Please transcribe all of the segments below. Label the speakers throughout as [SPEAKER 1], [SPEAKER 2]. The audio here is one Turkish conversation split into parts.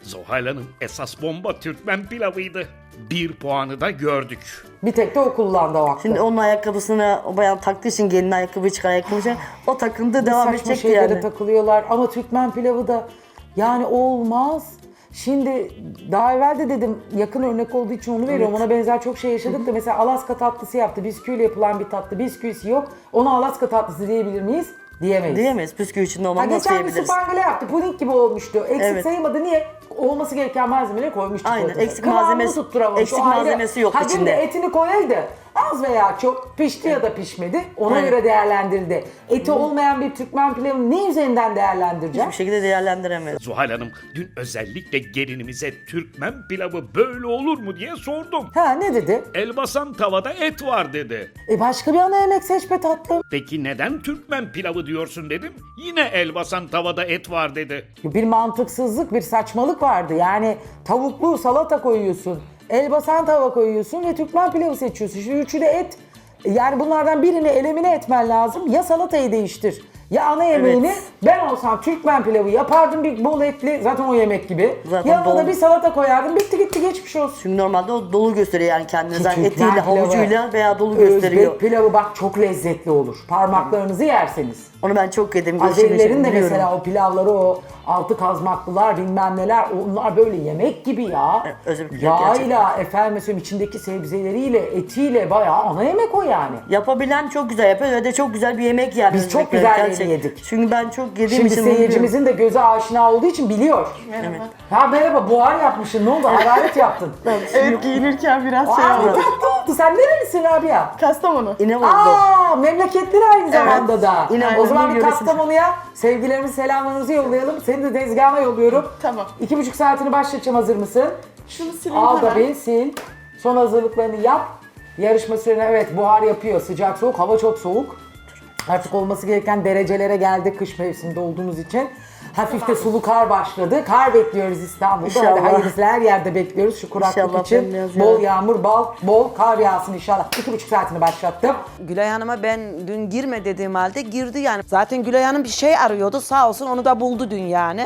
[SPEAKER 1] Zuhal Hanım, esas bomba Türkmen pilavıydı. 1 puanı da gördük.
[SPEAKER 2] Bir tek de o kullandı o hakkı.
[SPEAKER 3] Şimdi onun ayakkabısını o bayan taktığı için gelin ayakkabı çıkar ayakkabı çıkar. O takıntı devam
[SPEAKER 2] Saçma
[SPEAKER 3] edecekti
[SPEAKER 2] şeylere
[SPEAKER 3] yani.
[SPEAKER 2] takılıyorlar ama Türkmen pilavı da yani olmaz. Şimdi daha evvel de dedim yakın örnek olduğu için onu veriyorum. Ona benzer çok şey yaşadık da mesela Alaska tatlısı yaptı. Bisküviyle yapılan bir tatlı. Bisküvisi yok. Ona Alaska tatlısı diyebilir miyiz? Diyemeyiz.
[SPEAKER 3] Diyemeyiz. Püsküvi içinde
[SPEAKER 2] Ha,
[SPEAKER 3] olmam nasıl
[SPEAKER 2] geçen bir
[SPEAKER 3] yiyebiliriz?
[SPEAKER 2] supangile yaptı. Puding gibi olmuştu. Eksik
[SPEAKER 3] Evet.
[SPEAKER 2] sayılmadı. Niye? Olması gereken malzemeleri koymuştuk.
[SPEAKER 3] Aynen,
[SPEAKER 2] ortada.
[SPEAKER 3] eksik
[SPEAKER 2] Kıvamını
[SPEAKER 3] malzemesi-
[SPEAKER 2] tutturamamış.
[SPEAKER 3] eksik
[SPEAKER 2] O ayrı.
[SPEAKER 3] malzemesi yok
[SPEAKER 2] Ha, dün de
[SPEAKER 3] içinde.
[SPEAKER 2] etini koyaydı. Az veya çok pişti ya da pişmedi. Ona
[SPEAKER 3] Aynen.
[SPEAKER 2] göre değerlendirildi. Eti olmayan bir Türkmen pilavını ne üzerinden değerlendireceğim?
[SPEAKER 3] Hiçbir şekilde değerlendiremeyiz.
[SPEAKER 1] Zuhal Hanım, dün özellikle gelinimize Türkmen pilavı böyle olur mu diye sordum.
[SPEAKER 2] Ha, ne dedi?
[SPEAKER 1] Elbasan tavada et var dedi.
[SPEAKER 2] Başka bir ana yemek seç be tatlım.
[SPEAKER 1] Peki neden Türkmen pilavı diyorsun dedim. Yine elbasan tavada et var dedi.
[SPEAKER 2] Bir mantıksızlık, bir saçmalık vardı. Yani tavuklu salata koyuyorsun, elbasan tava koyuyorsun ve Türkmen pilavı seçiyorsun. Şimdi üçü de et. Yani bunlardan birini elimine etmen lazım. Ya salatayı değiştir, ya ana yemeğini.
[SPEAKER 3] Evet.
[SPEAKER 2] Ben olsam Türkmen pilavı yapardım bir bol etli, zaten o yemek gibi.
[SPEAKER 3] Zaten
[SPEAKER 2] Yanına da
[SPEAKER 3] bol.
[SPEAKER 2] bir salata koyardım, bitti gitti geçmiş olsun.
[SPEAKER 3] Çünkü normalde o dolu gösteriyor yani kendini.
[SPEAKER 2] Ki
[SPEAKER 3] Zaten
[SPEAKER 2] Türkmen
[SPEAKER 3] etiyle,
[SPEAKER 2] pilavı,
[SPEAKER 3] havucuyla veya dolu
[SPEAKER 2] Özbek
[SPEAKER 3] gösteriyor.
[SPEAKER 2] pilavı bak çok lezzetli olur. Parmaklarınızı yerseniz.
[SPEAKER 3] Onu ben çok yedim.
[SPEAKER 2] Azerilerin de
[SPEAKER 3] biliyorum.
[SPEAKER 2] mesela o pilavları, o altı kazmaklılar bilmem neler, onlar böyle yemek gibi ya.
[SPEAKER 3] Evet, özel bir pilav
[SPEAKER 2] Yağıyla, efendim mesela içindeki sebzeleriyle, etiyle bayağı ana yemek o yani.
[SPEAKER 3] Yapabilen çok güzel yapıyor ve de çok güzel bir yemek yani.
[SPEAKER 2] Biz çok
[SPEAKER 3] Özbekler
[SPEAKER 2] güzel
[SPEAKER 3] gerçekten.
[SPEAKER 2] yedik.
[SPEAKER 3] Çünkü ben çok yediğim
[SPEAKER 2] Şimdi
[SPEAKER 3] için bunu biliyorum.
[SPEAKER 2] seyircimizin de göze aşina olduğu için biliyor.
[SPEAKER 4] Merhaba.
[SPEAKER 2] Ha merhaba, buhar yapmışsın, ne oldu? Hararet yaptın.
[SPEAKER 4] Evet giyinirken biraz şey
[SPEAKER 2] Aa,
[SPEAKER 4] oldu.
[SPEAKER 2] tatlı oldu. Sen nerelisin Rabia?
[SPEAKER 4] Kastamonu.
[SPEAKER 3] İnebolu.
[SPEAKER 2] Aa, memleketleri aynı zamanda da.
[SPEAKER 3] İnebolu
[SPEAKER 2] O zaman bir
[SPEAKER 3] yöresinde.
[SPEAKER 2] Kastamonu'ya sevgilerimizi, selamlarımızı yollayalım. Seni de tezgahına yolluyorum.
[SPEAKER 4] Tamam.
[SPEAKER 2] 2,5 saatini başlatacağım, hazır mısın?
[SPEAKER 4] Şunu sileyim
[SPEAKER 2] Al da
[SPEAKER 4] hemen.
[SPEAKER 2] bir sil. Son hazırlıklarını yap. Yarışma sürene evet buhar yapıyor. Sıcak soğuk, hava çok soğuk. Artık olması gereken derecelere geldi kış mevsiminde olduğumuz için. Hafif de sulu kar başladı. Kar bekliyoruz İstanbul'da. Hadi
[SPEAKER 3] İnşallah.
[SPEAKER 2] hayırlısı, her yerde bekliyoruz şu kuraklık
[SPEAKER 3] İnşallah
[SPEAKER 2] için.
[SPEAKER 3] bembeyaz
[SPEAKER 2] Bol
[SPEAKER 3] yağar.
[SPEAKER 2] yağmur, bol kar yağsın inşallah. 2,5 saatini başlattım.
[SPEAKER 5] Gülay Hanım'a ben dün girme dediğim halde girdi yani. Zaten Gülay Hanım bir şey arıyordu, sağ olsun onu da buldu dün yani.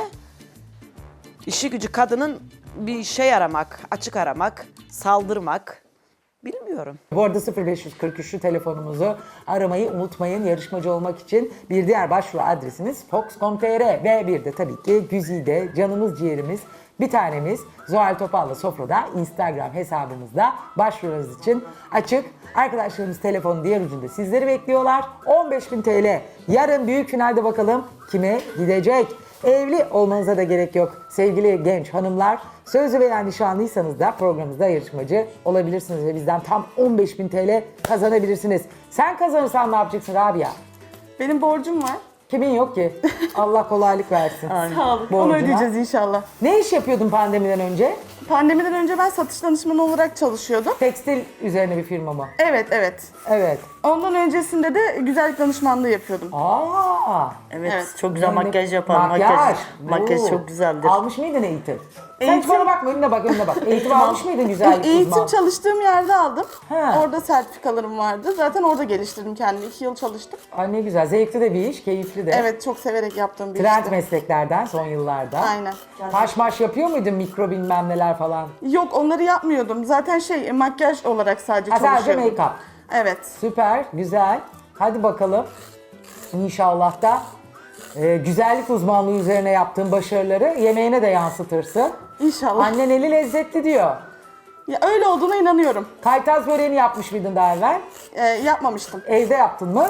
[SPEAKER 5] İşi gücü kadının bir şey aramak, açık aramak, saldırmak. Bilmiyorum.
[SPEAKER 2] Bu arada 0543'lü telefonumuzu aramayı unutmayın. Yarışmacı olmak için bir diğer başvuru adresimiz fox.com.tr ve bir de tabii ki Güzide, canımız ciğerimiz, bir tanemiz Zuhal Topal'la Sofra'da Instagram hesabımızda başvurunuz için açık. Arkadaşlarımız telefonun diğer ucunda sizleri bekliyorlar. 15.000 TL. Yarın büyük finalde bakalım kime gidecek? Evli olmanıza da gerek yok sevgili genç hanımlar. Sözlü veya nişanlıysanız da programımızda yarışmacı olabilirsiniz ve bizden tam 15.000 TL kazanabilirsiniz. Sen kazanırsan ne yapacaksın Rabia?
[SPEAKER 4] Benim borcum var.
[SPEAKER 2] Kimin yok ki? Allah kolaylık versin.
[SPEAKER 4] Sağ olun.
[SPEAKER 2] Borcuna.
[SPEAKER 4] Onu ödeyeceğiz inşallah.
[SPEAKER 2] Ne iş yapıyordun pandemiden önce?
[SPEAKER 4] Pandemiden önce ben satış danışmanı olarak çalışıyordum.
[SPEAKER 2] Tekstil üzerine bir firma mı?
[SPEAKER 4] Evet, evet.
[SPEAKER 2] Evet.
[SPEAKER 4] Ondan öncesinde de güzellik danışmanlığı yapıyordum.
[SPEAKER 2] Aa.
[SPEAKER 3] Evet,
[SPEAKER 4] Evet.
[SPEAKER 3] çok güzel
[SPEAKER 2] Yani
[SPEAKER 3] makyaj yapar.
[SPEAKER 2] Makyaj.
[SPEAKER 3] Makyaj
[SPEAKER 2] Oo.
[SPEAKER 3] çok güzeldir.
[SPEAKER 2] Almış mıydın eğitim? Sen hiç
[SPEAKER 4] Eğitim-
[SPEAKER 2] bana bakma, önüne bak, önüne bak. Eğitim almış mıydın güzellik
[SPEAKER 4] Eğitim
[SPEAKER 2] uzmanı?
[SPEAKER 4] çalıştığım yerde aldım.
[SPEAKER 2] Ha.
[SPEAKER 4] Orada sertifikalarım vardı. Zaten orada geliştirdim kendimi. 2 yıl çalıştım.
[SPEAKER 2] Ay ne güzel. Zevkli de bir iş, keyifli de.
[SPEAKER 4] Evet, çok severek yaptığım bir
[SPEAKER 2] Trend
[SPEAKER 4] işti.
[SPEAKER 2] mesleklerden son yıllarda.
[SPEAKER 4] Aynen.
[SPEAKER 2] Haş maş yapıyor muydun, mikro bilmem neler falan?
[SPEAKER 4] Yok, onları yapmıyordum. Zaten makyaj olarak sadece
[SPEAKER 2] Ha, sadece
[SPEAKER 4] çalışıyordum.
[SPEAKER 2] make-up.
[SPEAKER 4] Evet.
[SPEAKER 2] Süper, güzel. Hadi bakalım. İnşallah da güzellik uzmanlığı üzerine yaptığın başarıları yemeğine de yansıtırsın.
[SPEAKER 4] İnşallah.
[SPEAKER 2] Annen eli lezzetli diyor.
[SPEAKER 4] Ya öyle olduğuna inanıyorum.
[SPEAKER 2] Kaytaz böreğini yapmış mıydın daha evvel?
[SPEAKER 4] Yapmamıştım.
[SPEAKER 2] Evde yaptın mı?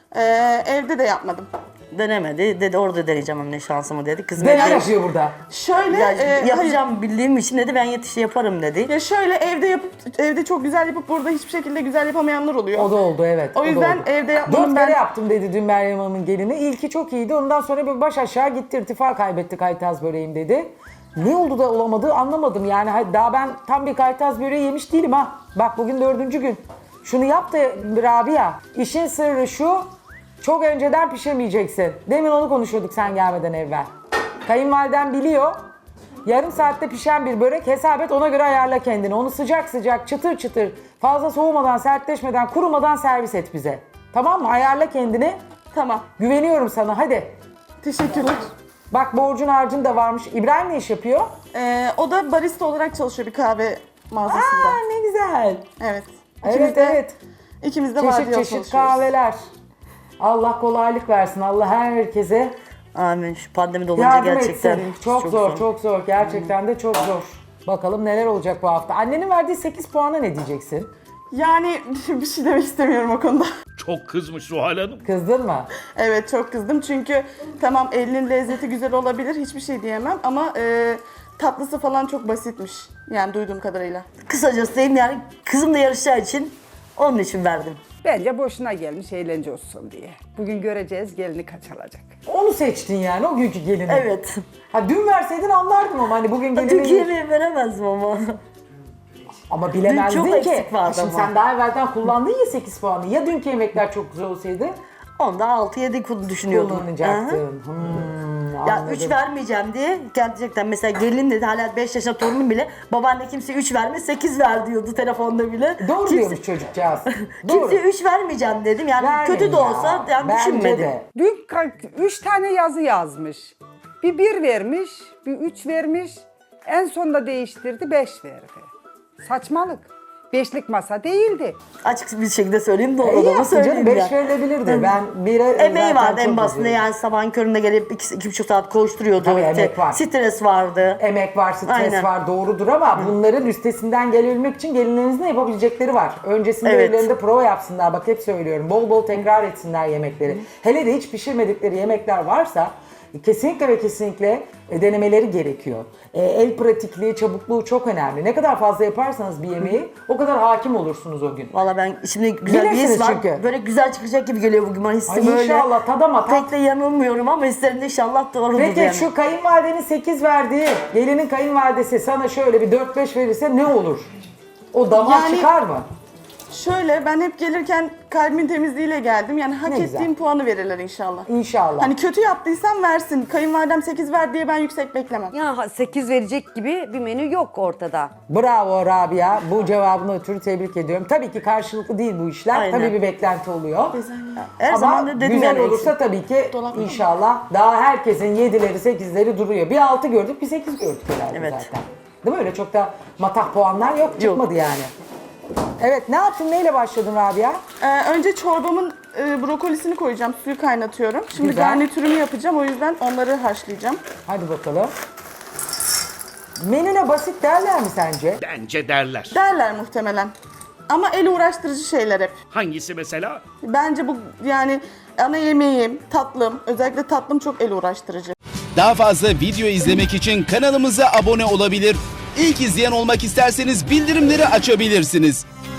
[SPEAKER 4] Evde de yapmadım.
[SPEAKER 3] Denemedi. Dedi orada deneyeceğim anne şansımı dedi. Kız
[SPEAKER 2] Neler
[SPEAKER 3] dedi.
[SPEAKER 2] yapıyor burada?
[SPEAKER 4] Şöyle
[SPEAKER 3] Ya,
[SPEAKER 4] hayır.
[SPEAKER 3] yapacağım bildiğim için dedi ben yaparım dedi.
[SPEAKER 4] Ya şöyle evde çok güzel yapıp burada hiçbir şekilde güzel yapamayanlar oluyor.
[SPEAKER 2] O da oldu evet.
[SPEAKER 4] O
[SPEAKER 2] da
[SPEAKER 4] yüzden
[SPEAKER 2] oldu.
[SPEAKER 4] evde yapmanın
[SPEAKER 2] 4
[SPEAKER 4] ben-
[SPEAKER 2] kere yaptım dedi dün Meryem Hanım'ın gelini. İlki çok iyiydi. Ondan sonra bir baş aşağı gitti. İrtifa kaybetti kaytaz böreğim dedi. Ne oldu da olamadı anlamadım. Yani daha ben tam bir kaytaz böreği yemiş değilim ha. Bak bugün 4. gün. Şunu yap da Rabia. İşin sırrı şu. Çok önceden pişirmeyeceksin. Demin onu konuşuyorduk sen gelmeden evvel. Kayınvaliden biliyor. Yarım saatte pişen bir börek hesap et, ona göre ayarla kendini. Onu sıcak sıcak çıtır çıtır fazla soğumadan, sertleşmeden, kurumadan servis et bize. Tamam mı? Ayarla kendini.
[SPEAKER 4] Tamam.
[SPEAKER 2] Güveniyorum sana, hadi.
[SPEAKER 4] Teşekkürler.
[SPEAKER 2] Bak borcun harcın da varmış. İbrahim ne iş yapıyor?
[SPEAKER 4] O da barista olarak çalışıyor bir kahve mağazasında.
[SPEAKER 2] Aa ne güzel.
[SPEAKER 4] Evet.
[SPEAKER 2] Evet evet.
[SPEAKER 4] İkimiz de
[SPEAKER 2] Çeşit
[SPEAKER 4] vardiyalı
[SPEAKER 2] çeşit
[SPEAKER 4] çalışıyoruz.
[SPEAKER 2] kahveler. Allah kolaylık versin. Allah herkese
[SPEAKER 3] Amin. Şu pandemi de olunca
[SPEAKER 2] yardım
[SPEAKER 3] gerçekten
[SPEAKER 2] etsin. Çok zor, çok zor. Gerçekten de çok zor. Bakalım neler olacak bu hafta. Annenin verdiği 8 puana ne diyeceksin?
[SPEAKER 4] Yani bir şey demek istemiyorum o konuda.
[SPEAKER 1] Çok kızmış Zuhal Hanım.
[SPEAKER 2] Kızdın mı?
[SPEAKER 4] Evet çok kızdım çünkü tamam elinin lezzeti güzel olabilir hiçbir şey diyemem ama tatlısı falan çok basitmiş. Yani duyduğum kadarıyla.
[SPEAKER 3] Kısacası diyeyim yani kızımla yarışacağı için onun için verdim.
[SPEAKER 6] Bence boşuna gelmiş eğlence olsun diye. Bugün göreceğiz gelini kaç alacak.
[SPEAKER 2] Onu seçtin yani o günkü gelini.
[SPEAKER 3] Evet.
[SPEAKER 2] Ha dün verseydin anlardım ama hani bugün gelini...
[SPEAKER 3] Dünkü yemeği veremezdim ama.
[SPEAKER 2] Ama bilemezdin
[SPEAKER 3] Dün çok
[SPEAKER 2] ki.
[SPEAKER 3] eksik vardı
[SPEAKER 2] Şimdi
[SPEAKER 3] ama.
[SPEAKER 2] sen daha evvelden kullandın ya 8 puanı. Ya dünkü yemekler çok güzel olsaydı
[SPEAKER 3] Onda 6-7 düşünüyordum. Hı hı.
[SPEAKER 2] kullanacaktın.
[SPEAKER 3] Ya
[SPEAKER 2] Anladım.
[SPEAKER 3] 3 vermeyeceğim diye gerçekten mesela gelin dedi hala 5 yaşında torunum bile babaanne kimse 3 verme 8 ver diyordu telefonda bile.
[SPEAKER 2] Doğru
[SPEAKER 3] Kimse-
[SPEAKER 2] diyormuş çocukcağız. Doğru.
[SPEAKER 3] Kimse 3 vermeyeceğim dedim yani
[SPEAKER 2] Vermeyin
[SPEAKER 3] kötü de
[SPEAKER 2] ya.
[SPEAKER 3] olsa yani
[SPEAKER 2] Bence
[SPEAKER 3] düşünmedim.
[SPEAKER 2] de.
[SPEAKER 6] Dün 3 tane yazı yazmış. Bir vermiş, bir 3 vermiş. En sonunda değiştirdi 5 verdi. Saçmalık. 5'lik masa değildi.
[SPEAKER 3] Açık bir şekilde söyleyeyim doğru
[SPEAKER 2] İyi
[SPEAKER 3] olanı
[SPEAKER 2] yaptın
[SPEAKER 3] söyleyeyim
[SPEAKER 2] canım 5
[SPEAKER 3] ya.
[SPEAKER 2] verilebilirdi. Ben 1'e
[SPEAKER 3] Emeği
[SPEAKER 2] zaten
[SPEAKER 3] vardı en
[SPEAKER 2] çok
[SPEAKER 3] basında
[SPEAKER 2] üzüldüm.
[SPEAKER 3] yani sabahın köründe gelip 2,5 saat koşturuyordu.
[SPEAKER 2] Tabii,
[SPEAKER 3] İşte
[SPEAKER 2] emek var.
[SPEAKER 3] Stres vardı.
[SPEAKER 2] Emek var, stres
[SPEAKER 3] Aynen.
[SPEAKER 2] var doğrudur ama bunların üstesinden gelebilmek için gelinlerinizin de yapabilecekleri var. Öncesinde
[SPEAKER 3] Evet.
[SPEAKER 2] evlerinde prova yapsınlar. Bak hep söylüyorum. Bol bol tekrar etsinler yemekleri. Hele de hiç pişirmedikleri yemekler varsa kesinlikle ve kesinlikle denemeleri gerekiyor. El pratikliği, çabukluğu çok önemli. Ne kadar fazla yaparsanız bir yemeği o kadar hakim olursunuz o gün.
[SPEAKER 3] Valla ben şimdi güzel bir
[SPEAKER 2] Bilirsiniz
[SPEAKER 3] his var.
[SPEAKER 2] çünkü.
[SPEAKER 3] Böyle güzel çıkacak gibi geliyor bugün bana hissim
[SPEAKER 2] Ay
[SPEAKER 3] öyle.
[SPEAKER 2] inşallah tadama tat.
[SPEAKER 3] Pek de yanılmıyorum ama hislerimde inşallah doğrudur
[SPEAKER 2] Peki
[SPEAKER 3] yani.
[SPEAKER 2] şu kayınvalidenin 8 verdiği, gelinin kayınvalidesi sana şöyle bir 4-5 verirse ne olur? O damağa
[SPEAKER 4] Yani-
[SPEAKER 2] çıkar mı?
[SPEAKER 4] Şöyle ben hep gelirken kalbimin temizliğiyle geldim. Yani hak
[SPEAKER 2] Ne güzel.
[SPEAKER 4] ettiğim puanı verirler inşallah.
[SPEAKER 2] İnşallah.
[SPEAKER 4] Hani kötü yaptıysam versin. Kayınvalidem 8 ver diye ben yüksek beklemem.
[SPEAKER 7] Ya 8 verecek gibi bir menü yok ortada.
[SPEAKER 2] Bravo Rabia. Bu cevabını ötürü tebrik ediyorum. Tabii ki karşılıklı değil bu işler.
[SPEAKER 3] Aynen.
[SPEAKER 2] Tabii bir beklenti oluyor.
[SPEAKER 3] Her
[SPEAKER 2] Ama
[SPEAKER 3] zaman da dedim
[SPEAKER 2] güzel
[SPEAKER 3] yani
[SPEAKER 2] olursa tabii ki inşallah daha herkesin 7'leri 8'leri duruyor. Bir 6 gördük bir 8 gördük herhalde
[SPEAKER 3] Evet.
[SPEAKER 2] zaten. Değil mi? Öyle çok da matah puanlar yok. Çıkmadı yani. Evet ne yaptın? Neyle başladın Rabia?
[SPEAKER 4] Önce çorbamın brokolisini koyacağım. Suyu kaynatıyorum. Şimdi
[SPEAKER 2] Güzel.
[SPEAKER 4] garnitürümü yapacağım. O yüzden onları haşlayacağım.
[SPEAKER 2] Hadi bakalım. Menüne basit derler mi sence?
[SPEAKER 1] Bence derler.
[SPEAKER 4] Derler muhtemelen. Ama el uğraştırıcı şeyler hep.
[SPEAKER 1] Hangisi mesela?
[SPEAKER 4] Bence bu yani ana yemeğim, tatlım, özellikle tatlım çok el uğraştırıcı.
[SPEAKER 8] Daha fazla video izlemek için kanalımıza abone olabilir. İlk izleyen olmak isterseniz bildirimleri açabilirsiniz.